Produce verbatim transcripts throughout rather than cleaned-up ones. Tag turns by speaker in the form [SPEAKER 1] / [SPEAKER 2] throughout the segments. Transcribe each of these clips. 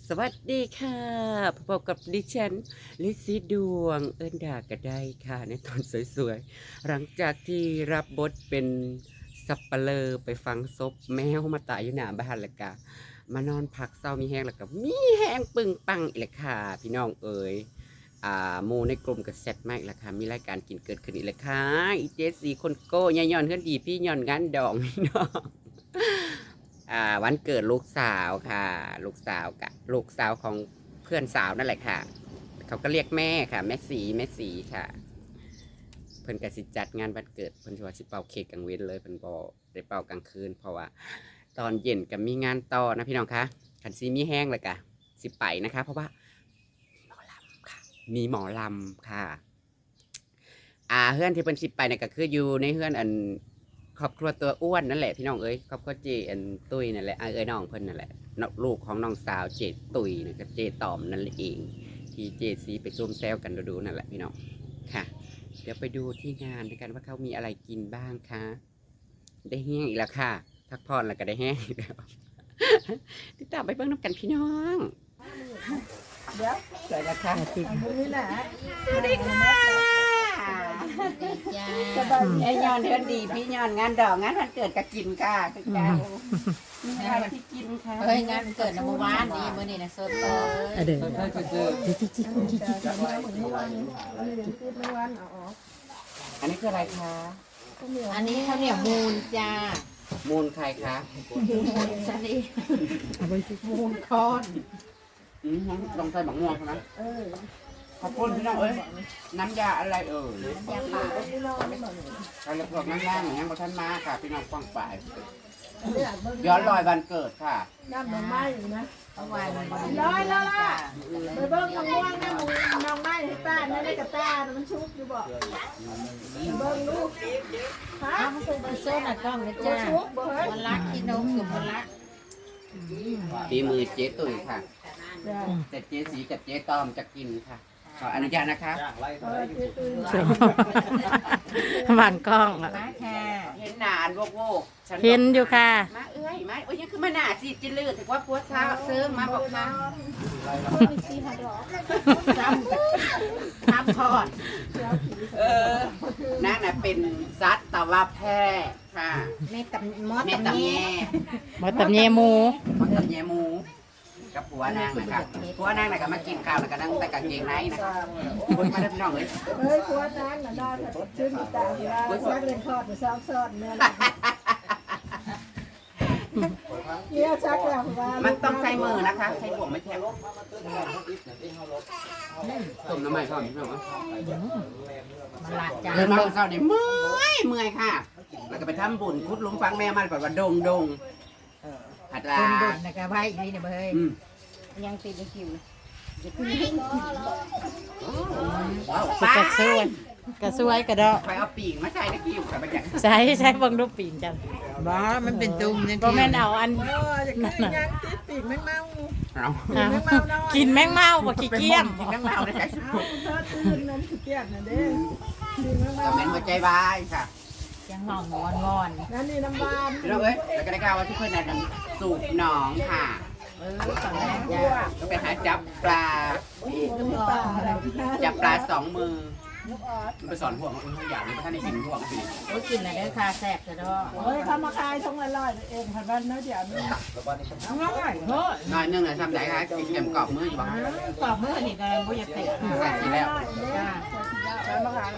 [SPEAKER 1] สวัสดีค่ะพบกับดิฉันลิซซี่ดวงเอิ้นดากระได้ค่ะในตอนสวยๆหลังจากที่รับบทเป็นสับปะเลอไปฟังศพแมวมาตายอยู่หน้าบ้านแล้วก็มานอนพักเศร้ามีแห้งแล้วก็มีแห้งปึงปังอีกแล้วค่ะพี่น้องเอ๋ยอ่าโมในกลุ่มกับเซตมากแล้วค่ะมีรายการกินเกิดขึ้นอีกแล้วค่ะอีเจสีคนโก้ยายย้อนเพื่อนดีพี่ย้อนงานดองพี่น้อง อ่าวันเกิดลูกสาวค่ะ ลูกสาวกับลูกสาวของเพื่อนสาวนั่นแหละค่ะเขาก็เรียกแม่ค่ะแม่สีแม่สีค่ะ เพิ่นก็สิจัดงานวันเกิดเพิ่นว่าสิเป่าเค้กกลางเว้นเลยเพิ่นบ่ได้เป่ากลางคืนเพราะว่าตอนเย็นก็มีงานต่อนะพี่น้องคะคันซีมีแห้งเลยกะสิไปนะคะ เพราะว่าหมอลำค่ะมีหมอลำค่ะอ่าเฮือนที่เพิ่นสิไปเนี่ยก็คืออยู่ในเฮือนอันครอบครัวตัวอ้วนนั่นแหละพี่น้องเอ้ยครอบครัวเจอันตุ้ยนั่นแหละเอ้ยน้องเพิ่นนั่นแหละลูกของน้องสาวเจตุ้ยนะกับเจตอมนั่นแหละเองที่เจซีไปซุ่มแซวกันดูๆนั่นแหละพี่น้องค่ะเดี๋ยวไปดูที่งานกันว่าเขามีอะไรกินบ้างคะได้แห้งอีกแล้วค่ะพักผ่อนแล้วก็ได้แห้งอีกแล้วติดตามไปเบิ่งน้ำกันพี่น้องเดี๋ยวสวัสดีค่ะสวัสดีค่ะไอ้ยอนเดือนดีพี่ยอนงานดอกงานวันเกิดก็กินค่ะคือกันมีอะไรที่กินค่ะ
[SPEAKER 2] เฮ้ยงานเกิดในเมื่อวานนี่มื้อนี้นะสดเลย
[SPEAKER 3] เดี๋ยวเดี๋ยวจิจิคุณจิจิ
[SPEAKER 1] อันนี้คืออะไรคะ
[SPEAKER 2] อันนี้ข้าวเหนียวมูนจ้า
[SPEAKER 1] มูลใครคะ
[SPEAKER 2] มูนชนิดมูนคอน
[SPEAKER 1] อืมลองใส่บักม่วงนะขอบคุณพี่น้องเอ้ยน้ำยาอะไรเอ่ย
[SPEAKER 2] ยาป่า
[SPEAKER 1] ใครพวกน้ำยาเหมือนยังบ่ทันมาค่ะพี่น้องฟังฝ่ายย้อนรอยวันเกิดค่ะ
[SPEAKER 4] น้ำหน่อไม้อยู่นะ
[SPEAKER 2] เอาไว้มัน
[SPEAKER 4] ร้อยแล้วล่ะไปเบิ้งมะม่วงนะหมูน้องไม้ให้ป้าไม่ได้กับป้ามันชุกอยู่บ่เบิ้งลูกฮะ
[SPEAKER 2] อ้าวมันเป็นโซนอ่ะกล้องนะจ้า
[SPEAKER 4] ชุกบ่เฮ้ย
[SPEAKER 2] มันรักกินนมกับมันรัก
[SPEAKER 1] ฝีมือเจ๊ตุ๋ยค่ะแต่เจ๊สีกับเจ๊ตอมจะกินค่ะขออนุญาตนะคะ
[SPEAKER 3] วางกล้องอ่ะ
[SPEAKER 2] มาค่ะ
[SPEAKER 1] เห็นหนาอันโวกโวกฉับก
[SPEAKER 3] เห็นอยู่ค่ะ
[SPEAKER 1] มาเอ้ยมาโอ้ยยังคือมาหนาสิจิลือถือว่าพัวเช้าเซิงมาบอกค่ะ
[SPEAKER 2] ซ้ำซ้ำทอด
[SPEAKER 1] เออนางน่ะเป็นซัดตะวันแพร่ค่ะ
[SPEAKER 2] แม่ตับมอส
[SPEAKER 1] แม่
[SPEAKER 2] ตับ
[SPEAKER 1] ตำ
[SPEAKER 2] แง่
[SPEAKER 1] แย่
[SPEAKER 3] หมอตำเยหมู
[SPEAKER 1] มอตำแย่หมูกับผัวนางนะครับผัวนางน่ะก็มากินข้าวแล้วก็นั่งแต่กางเกงในนะคนมาเริ่มน้องเลย
[SPEAKER 4] เฮ้ยกลัวน้ำน่ะได้ชื่นตาเวลาซักเล่นทอดมาซ้อมซ้อนเนี่ยเนี่ยซักแล้วว่า
[SPEAKER 1] มันต้องใช้มือนะคะใช้บ่วงไม่แทงต้มน้ำมันก่อนพี่น้อง
[SPEAKER 2] มันละจ้า
[SPEAKER 1] เดินมาเช้าเนี่ยเมื่อยเมื่อยค่ะ แล้วก็ไปทำบุญคุดลุงฟังแม่มันแบบว่าดงดงหัดลา
[SPEAKER 2] คนดุนะครับไว้อีกนี่เนี่ยเฮ้ย
[SPEAKER 1] อืม
[SPEAKER 2] ยังติดในคิว
[SPEAKER 1] ว้าว
[SPEAKER 3] ก
[SPEAKER 1] ป้า
[SPEAKER 3] ระซวยกระซวยกระดอก
[SPEAKER 1] ไปเอาปีกมาใส่ในกิ้วกับมันอย่าง
[SPEAKER 3] ใช้ใช้เบังรูปปีนกัน
[SPEAKER 2] บ้ามันเป็นตุ่มเนี่ย
[SPEAKER 3] ก็แม่นเอาอัน
[SPEAKER 4] เออจะกินยังติดปีกแมงเมา
[SPEAKER 1] เอา
[SPEAKER 3] เอากินแมงเม่าบ่ขี้เกียจ
[SPEAKER 1] กินน้ำเมาได้ไหม
[SPEAKER 4] เอาเธอตื่นนั้นขี้เกียจน่ะเด้กินแมง
[SPEAKER 1] ก็
[SPEAKER 4] เมา
[SPEAKER 1] เป็นหัวใจวายค่ะ
[SPEAKER 2] ยังห่องงอนงอน
[SPEAKER 4] นั่นนี่น้ำบาน
[SPEAKER 1] พี่น้องเอ้ยแล้วก็ได้ข่าวว่าที่เพื่อนนั่นสูบหนองค่ะ
[SPEAKER 2] เออตอนแรก
[SPEAKER 4] ยั่
[SPEAKER 2] จ้าว
[SPEAKER 1] ก็ไปหาจับปลา
[SPEAKER 4] ป่าอะไร
[SPEAKER 1] จับปลาสองมือไปสอนพวกมันทุกอย่างเลยท่านได้กินพวกมัน
[SPEAKER 2] โอ้ยกินอะไรเด้อค่ะแซ่บจะดอ
[SPEAKER 4] เฮ้ยเขามาขายทงละร้อยเองพันวันนะเดี๋ยวนี้
[SPEAKER 2] อร่อยเฮ้ย
[SPEAKER 1] น้อยนึงเลยทำได้ค่ะกินเกมกรอบมืออยู่บ้าง
[SPEAKER 2] กรอบมื้อนี่ก็บ่อยากเตะ
[SPEAKER 1] ใส่ทีแล้ว
[SPEAKER 2] จ้า
[SPEAKER 4] ใช้มาขาย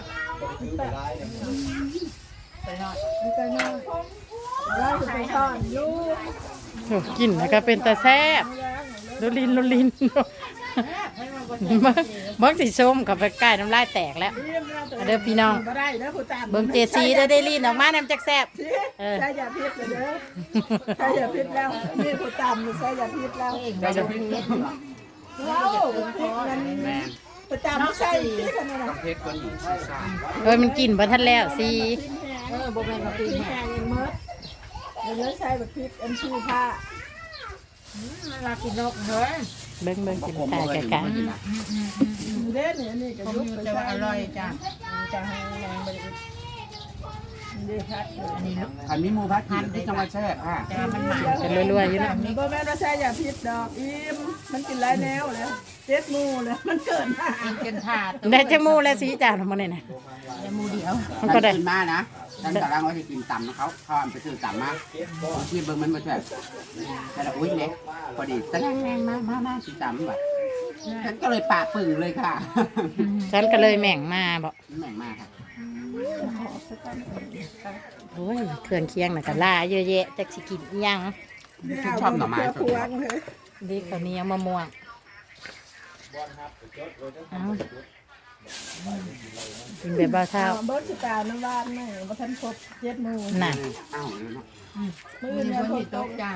[SPEAKER 2] ไปหน่อย
[SPEAKER 4] มีแต่น้อยเราจะไปสอนลูก
[SPEAKER 3] โอ้กินแล้วก็เป็นตาแซ่บโดลินโดลินเบิ่งเบิ่งสิส้มกับไปใกล้น้ำลายแตกแล้ว เด้อพี่น้อง
[SPEAKER 4] บ่ได้เด้อผู้ตาม
[SPEAKER 3] เบิ่งเจซีได้ได้ลีนออกมาน้ำจักแซ่บเออ
[SPEAKER 4] ใช่ยาพิษเลยเด้อใช่ยาพิษแล้วนี่ผู้ตามใช่ยาพิษแล้ว
[SPEAKER 2] เองบ่จะพิเศษ
[SPEAKER 4] ว้าวพิษมัน
[SPEAKER 1] แม่
[SPEAKER 4] ผู้ตามไม่ใช่พิษขนาด
[SPEAKER 1] ต้องเพชรคนหญิงชีซ่า
[SPEAKER 3] เอ้ยมันกินบ่ทันแล้วสิ
[SPEAKER 2] เออบ่แม่นมาปี
[SPEAKER 4] พิษ
[SPEAKER 2] แห้
[SPEAKER 4] แห้งยังมดแล้วใช้แบบพิษอันชื่อผ้า
[SPEAKER 2] ลากินนกเฮ้ย
[SPEAKER 3] เบิ่งเบิ่งกินถ่ายไกล
[SPEAKER 4] เด้อเนี่ยนี่ก็
[SPEAKER 2] ผม
[SPEAKER 4] ยุบ
[SPEAKER 2] อยู่
[SPEAKER 4] ไป
[SPEAKER 2] แต่ว่า
[SPEAKER 4] ใช้
[SPEAKER 2] อร่อยจ้ะ
[SPEAKER 4] จะให้ยังบริเดี๋ยวพัก
[SPEAKER 3] อันนี้เนาะ
[SPEAKER 1] ขันมีหมูพัดกินที่จังหวัดแช่ค่ะ
[SPEAKER 3] แต่ว่ามันหมันกันรวยๆอยู่เนาะ
[SPEAKER 4] นี่บ่แม่นว่าใช่อย่าพิษดอกอิ่มมันกินหลายแนวเลยเจ็ดหมู่เลยมันเกินมา
[SPEAKER 2] กินกันถาด
[SPEAKER 3] ได้จังมูและสีจานมาเนี่ยนะ
[SPEAKER 2] ยมูเดียว
[SPEAKER 3] มันก็ได้
[SPEAKER 1] กินมานะตั้งแต่ร่างว่าจะกินต่ำนะเขาเขาเอาไปซื้อต่ำมาที่เบิ้งมันมาแบบแต่ละอุ้ยเล็กพอดีตะแรงแรงมามามาสิต่ำแบบฉันก็เลยปากปึ่งเลยค่ะ
[SPEAKER 3] ฉันก็เลยแม่งมาบอก
[SPEAKER 1] แม่งมากค่ะ
[SPEAKER 3] โอ้ยเครื่องเคียงน่ะก็ล่าเยอะแยะแต่สิกินอิหยัง
[SPEAKER 1] ชอบหน่อไม้
[SPEAKER 4] พวงเลย
[SPEAKER 3] ดีข้าวเหนียวมะม่วงเอากินแบบบ้าเท่า
[SPEAKER 4] เอาเบิร์ดสิตาน้ำบ้านแม่บ่ทันครบเจ็ดหมู่
[SPEAKER 3] น่ะ
[SPEAKER 1] อ้าวเลยเนาะ
[SPEAKER 4] มื้อ
[SPEAKER 2] มี
[SPEAKER 4] นี้
[SPEAKER 2] คน
[SPEAKER 4] ฝ
[SPEAKER 2] ที่
[SPEAKER 4] น
[SPEAKER 2] ต
[SPEAKER 4] ต
[SPEAKER 2] ก
[SPEAKER 4] ก
[SPEAKER 2] จ้า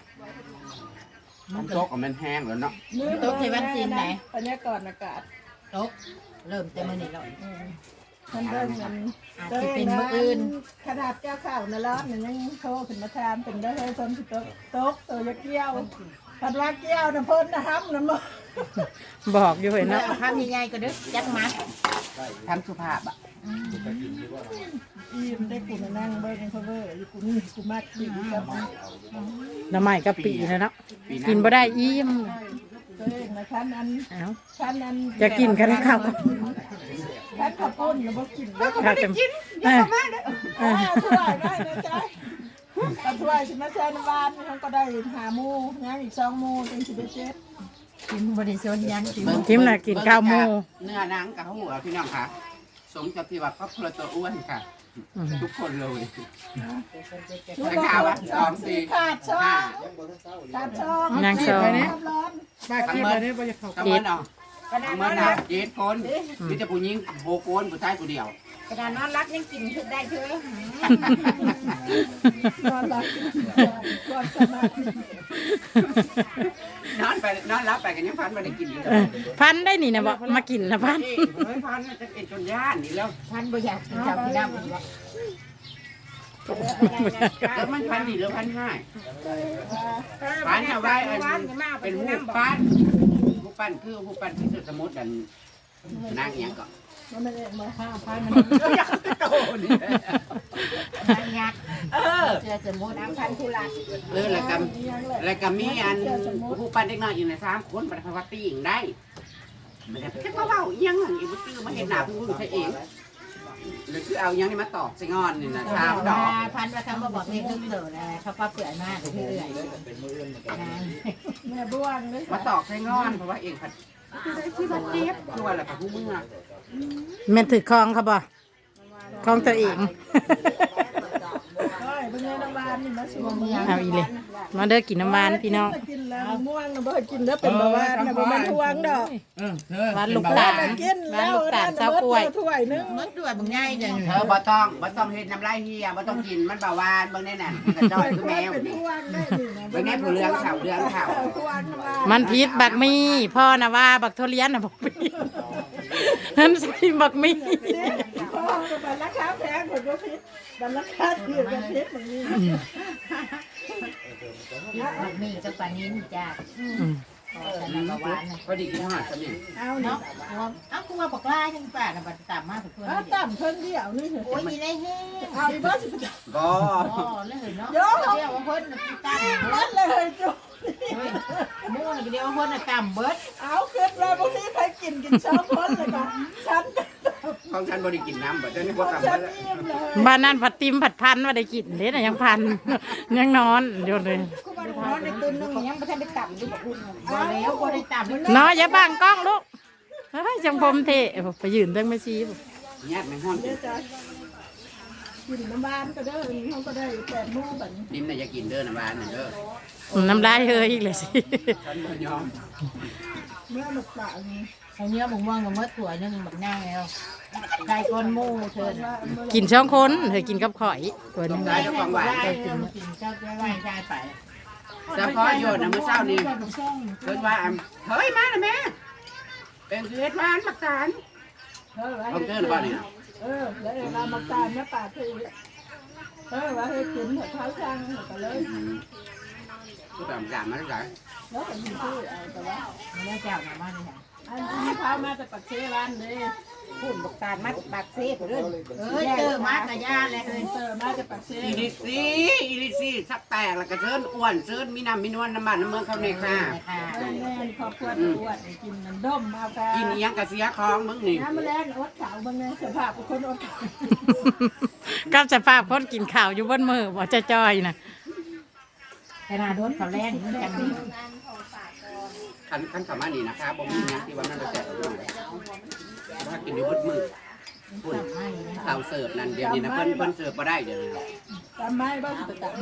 [SPEAKER 1] มันโต๊ะกับมันแห้งแล้วเนาะ
[SPEAKER 4] มื้อ
[SPEAKER 2] ตกที่วันจีนไหน
[SPEAKER 4] บรรยากาศอากาศ
[SPEAKER 2] ตกเริ่มจะมื้อนี้แล้ว
[SPEAKER 4] อืมมันเบิ่งมัน
[SPEAKER 2] อาจจะเป็นมื้ออื่น
[SPEAKER 4] ขนาดแก้วข้าวในร้านมันยังโทรขึ้นมาถามเป็นได้ให้คนสิตกตกตัวจะเกี่ยวผัดว่าเกี่ยวน่ะเพิ่นนะฮับน่ะบ่
[SPEAKER 3] บอกอยู่เห็น
[SPEAKER 2] แล้
[SPEAKER 3] เนาะ
[SPEAKER 2] วข้าวมีใหญ่ก็ดึกจักมา
[SPEAKER 1] ทำสุภาพอ่ะ
[SPEAKER 4] อีมได้กูมานั่งเบิ่งเพอเวอร์อยู่กูนี่กูมากดีกับ
[SPEAKER 3] น้ำใหม่กะปินะเนาะ
[SPEAKER 1] ปีห
[SPEAKER 3] กินบ่ได้อิ่ม
[SPEAKER 4] ตัวเองนะคันนั้น
[SPEAKER 3] เอ้า
[SPEAKER 4] คันนั้น
[SPEAKER 3] จะกินกันข้าว
[SPEAKER 4] คันข้าวปุ้นแล้วบ่กินแล้วก็
[SPEAKER 3] ข้าวเต็มเออ
[SPEAKER 4] อ่าถ้วยได้นะจ๊ะเอาถ้วยสิมาแช่น้ำหวานมันก็ได้หาหมู่ยังอีกสองหมู่จึงสิได้เจ็ด
[SPEAKER 2] กินบริสุทธิ์ยังกิน
[SPEAKER 3] ทิมน่ะกินข้าวหมู
[SPEAKER 1] เนื้อหนังกับหัวพี่น้องค่ะสมกับที่ว่าครอบครัวตัวอ้วนค่ะ
[SPEAKER 3] อืม
[SPEAKER 1] ทุกคนเลย
[SPEAKER 4] ชุด
[SPEAKER 1] ได้ข่าวว่าสองสี่
[SPEAKER 4] ขาดช่อ
[SPEAKER 1] ห้าง
[SPEAKER 4] ขาดช่อง
[SPEAKER 3] นางซอง
[SPEAKER 4] ร้อน
[SPEAKER 1] ทั้งเมื่อทั้งเมื่อเนาะทั้งเมื่อนะเจ็ดคนมีแต่ผู้หญิงโบกคนผู้ชายผู้เดียว
[SPEAKER 2] กระดานนอนรักยังกินได้เถอะ
[SPEAKER 4] นอนหลับก่อนสมาธิ
[SPEAKER 1] นอนไปนอนรับไปกันยังพันมาได้กินเลย
[SPEAKER 3] เออพันได้นี่นะบอกมากินนะพัน
[SPEAKER 1] เฮ้ยพันจะเป็นจนย่านนี่แล้ว
[SPEAKER 2] ท่านบ่อยากกินข้าวที่ดำอีกแล้ว
[SPEAKER 1] แล้วมันพันนี่แล้วพันห้าพันเอาไว้อันเป็นหูปั้นหูปั้นคือหูปั้นที่สุดสมุดดันนางอย่างก่อน
[SPEAKER 4] มันไม่ได้มาห้าพัน
[SPEAKER 1] อยากโตนี่
[SPEAKER 2] นางยักษ์
[SPEAKER 1] เออ
[SPEAKER 2] เสือสมุนน้ำพันธุระ
[SPEAKER 1] เออแล้วก็แล้วก็มีอันหูปั้นเด็กน้อยอยู่ในสามคนปฏิวัติปีงได้ไม่ได้แค่เบาๆยังอีบุตรมาเห็นหน้าผู้ใช่เองหรือคือเอายังนี่มาตอกใส่งอนนี่นะสามดอก
[SPEAKER 2] พันว่าคำว่าบอกเรียกตึ้งเดินนะเขาป้าเปื่อยมากเรื่อย
[SPEAKER 4] แม่บ้วนเลย
[SPEAKER 1] มาตอกใส่งอนเพราะว่าเองผัดที่มันเจ็บตัวอะไรกับผู้เมื่อ
[SPEAKER 3] แม่นถือคลองครับบ่คลองตัวเอง
[SPEAKER 4] เฮ้ยเป็นไงน้ำหวานนี่มาสวม
[SPEAKER 3] เอาอีเลยมาเด้อกินน้ำหวานพี่น้อง
[SPEAKER 4] กินแล้วม่วงนะบ่กินแล้วเป็นเบาหวานนะบ่มันทวงดอก
[SPEAKER 3] หวานลูกตาล
[SPEAKER 4] กิน
[SPEAKER 3] หวาน
[SPEAKER 4] แล้ว
[SPEAKER 3] ลูกตาลเจ้ากล้วย
[SPEAKER 4] ถ้วยนึง
[SPEAKER 2] ๆมดด้วยบางง่ายจัง
[SPEAKER 1] เธอบ่ต้องบ่ต้องเฮ็ดน้ำลายเฮียบ่ต้องกินมันเบาหวานเบิ่งแน่น่ะกระจ้อยคือแมว
[SPEAKER 4] เป็น
[SPEAKER 1] นี่
[SPEAKER 4] ทวงได้นี่นะ
[SPEAKER 1] เบิ่งแน่ผู้เรืองข่าวเรืองข่าว
[SPEAKER 4] ทวงน้ำหวาน
[SPEAKER 3] มันพิษบักมีพ่อนะว่าบักทุเรียนนะบอกมีนั่นใส่บักมี
[SPEAKER 4] พ่อบันราคาแพงผลก็พิษบันราคาถือกันพิษมันนี่
[SPEAKER 2] มันมีกับปลานิ้นจ้า
[SPEAKER 3] อืม
[SPEAKER 2] ขอสนับหวานนะ
[SPEAKER 1] พอดีกินอาหารซะนี่
[SPEAKER 4] เอา
[SPEAKER 2] เนาะ
[SPEAKER 4] เนาะ
[SPEAKER 2] เอ้ากูว่าบอกลาจังป่านะบัดตามมาทุกคน
[SPEAKER 4] เอาต่ำเพิ่นเดียวนี่เถอะ
[SPEAKER 2] โอ้ยอีได้เฮ้
[SPEAKER 4] เอาอีกบ้าสิบ
[SPEAKER 1] บ่
[SPEAKER 2] อ๋อแล้วเห็นเนาะเดี๋ยวเพิ่นตั้ง
[SPEAKER 4] เบิดเลยจุ๊บ
[SPEAKER 2] มู่นเดียวเพิ่นต่ำเบิด
[SPEAKER 4] เอาขึ้นเลยพวกนี้ใครกินกินเช้าพ้นเลยค่ะฉัน
[SPEAKER 1] ของฉันบ่ได้กินน้ำบ่เจ้านี่บ่กลับ
[SPEAKER 4] ฉั
[SPEAKER 1] มาน แล้ว
[SPEAKER 4] อิ่มเลย
[SPEAKER 3] บ้านนั้นผัดติมผัดพันว่าได้กินเด้น่ะยังพัน ยังนอนอยู่เลย
[SPEAKER 2] กูบ่ได้นอนในตื่นนึงยังบ่ทันได้ต่ำอยู่บ่อุ่นบ่แล้วบ่ได้ต่ำ
[SPEAKER 3] น้อยอย่าบังกล้องลูกเฮ้ยจังผมเทไปยืนเรื่องไม่ชี้
[SPEAKER 1] ญาติแม่ฮ้อน
[SPEAKER 4] เดี๋ยวจะกินน้ำบานก็ได้เขาก็ได้แปดโมงแบบนี้
[SPEAKER 1] นิ่มน่ะอย่ากินเด้อน้ำหวานน่ะเด้อ
[SPEAKER 3] น้ำลายเฮยอีกเลยสิ
[SPEAKER 1] ฉันบ่ยอม
[SPEAKER 4] เมื่อหมดปากนี่
[SPEAKER 2] เอาเนื้อบ่ม่วงกับมดถั่วนึงบักนางแล้วได้ก้นหมู่เถิด
[SPEAKER 4] ว่าเมื่อ
[SPEAKER 3] กินช่องคนเธอกินกับข่อยตัวนึง
[SPEAKER 2] ได้ของหวานได้กินกินเจ้าได้ไหว้ได้ไป
[SPEAKER 1] เฉพาะโยนน่ะมื้อเช้านี้เพิ่นว่าเฮ้ยมาน่ะแม่เป็นสิเฮ็ดหวานมักตาล
[SPEAKER 4] เออ
[SPEAKER 1] เอาเกินบ่นี่
[SPEAKER 4] เออแล้วเรามาตามแม่ป่าคือเออว่าให้กินหัวเท้าช่างก็เลย
[SPEAKER 1] ก็แบบอย่างมาได้ไหน
[SPEAKER 4] แล้วก็มีชื่อเอาแต่ว่า
[SPEAKER 2] ไม่ได้เจ้าหน้าบ้านนี่ค่ะ
[SPEAKER 4] อันนี้พามาแต่ปักเซร้านเลย
[SPEAKER 2] พูดบอกการมัดปากเซ่เด้อเอ้ยเจอมากระยาเลยเฮ้ย
[SPEAKER 4] เตอร์มาแต่ปักเซ
[SPEAKER 1] อีลิซี่อีลิซี่สักแตกแล้วก็เชิญอ้วนเชิญมีน้ำมีนวลน้ำมันน้ำเมืองเขาเนี่ยค่ะ
[SPEAKER 2] ค่ะ
[SPEAKER 4] แม่แม่ครอบครัวตรวจกินมันด้มเอาค่ะ
[SPEAKER 1] กินอีหยังกะเสียของมึงนี่
[SPEAKER 4] น้ำแมลงอดขาวบางเนี่ยสภาพเป็นคนอดขาว
[SPEAKER 3] กับสภาพคนกินข้าวอยู่บนมือบ่จะจ้อยนะ
[SPEAKER 2] ขนาดโดนเขาแรงเหมือนกันนี่
[SPEAKER 1] ขันขันสามานี่นะคะบ่มีหยังที่ว่านั่นจะแจกอยู่ถ้ากินอยู่บดมือพูดข้าวเสิร์ฟนั่นเดี๋ยวนี้นะเพิ่นเพิ่นเสิร์ฟบ่ได้เดี๋ยวนี้
[SPEAKER 4] ตามไม้บ้างไปตาม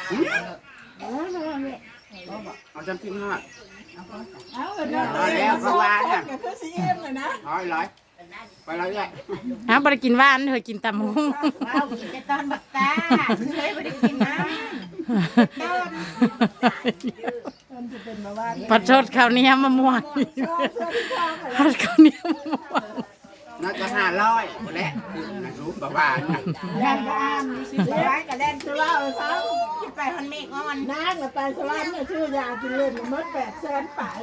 [SPEAKER 1] เอาจำทิ้งฮอด
[SPEAKER 4] เอาเลยนะก็คือซีเอ็มเลยนะ
[SPEAKER 1] ร้อยร้อยไปร้อยเลย
[SPEAKER 3] ฮะบ่ได้กินหว่านเธอกินตำหุ้ง
[SPEAKER 2] ว้าวกินแต่ตอนบักตาเฮ้ยไม่ได้กินน้ำต้น
[SPEAKER 4] มันจะเป็นมาว่า
[SPEAKER 3] ปัดชดข้าวเหนียวมะม่วงปัดข้าวเหนียวมะม่วง
[SPEAKER 1] น่าจะห้าร้อยแหละนะรู้บ่ว่า
[SPEAKER 4] แล่นบ้านสิบร้อยกับแล่นสุราเขา
[SPEAKER 2] กินไปมันเมฆอ่อน
[SPEAKER 4] น้ากับไปสุราเนี่ยชื่อยากินเล่นมดแปดแสนป่าย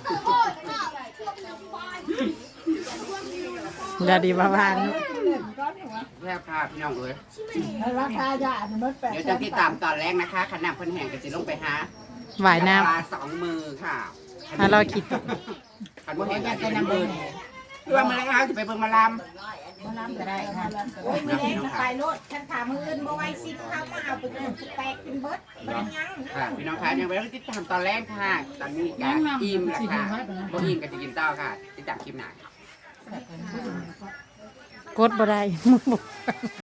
[SPEAKER 3] อย่าดีบ่าวาน
[SPEAKER 4] กินเล่นก้อนหัว
[SPEAKER 1] แค่พาพี่น้องเอ้ย
[SPEAKER 4] ราคายาเนี่ยมดแปด
[SPEAKER 1] เดี๋ยว
[SPEAKER 4] แส
[SPEAKER 1] จะ
[SPEAKER 4] น
[SPEAKER 1] ติดตามตอนแรกนะคะขนาดเพิ่นแห่งก็สิลงไปหา
[SPEAKER 3] หวายน้
[SPEAKER 1] ปลาสองมือค่ะ
[SPEAKER 3] ำถ้าเราคิด
[SPEAKER 1] คันบ่
[SPEAKER 2] เขา
[SPEAKER 1] เห็น
[SPEAKER 2] อยา
[SPEAKER 1] อาก จ
[SPEAKER 2] จะ
[SPEAKER 1] จะ
[SPEAKER 2] นำ
[SPEAKER 1] นำ
[SPEAKER 2] เบอ
[SPEAKER 1] เบิ่
[SPEAKER 2] ร์
[SPEAKER 1] ง
[SPEAKER 2] แหน่
[SPEAKER 1] คือว่ามื้อแรกเอาสิไปเบิ่งหมาลำ
[SPEAKER 2] มาล้ำก็ได้ค่ะโอ้ยไม่ได้ไปรถฉันถามมืออื่นบ่ไหวสิเข้ามาเอาไปกินแตกเป็นเบิดมันยัง
[SPEAKER 1] ค่ะพี่น้องคะยังไปติดตามตอนแรกค่ะ ตอนนี้ก็อิ่มแล้วค่ะบ่อิ่มก็จะกินต่อค่ะ ติดตามคลิปหน้า
[SPEAKER 3] กดบ่ได้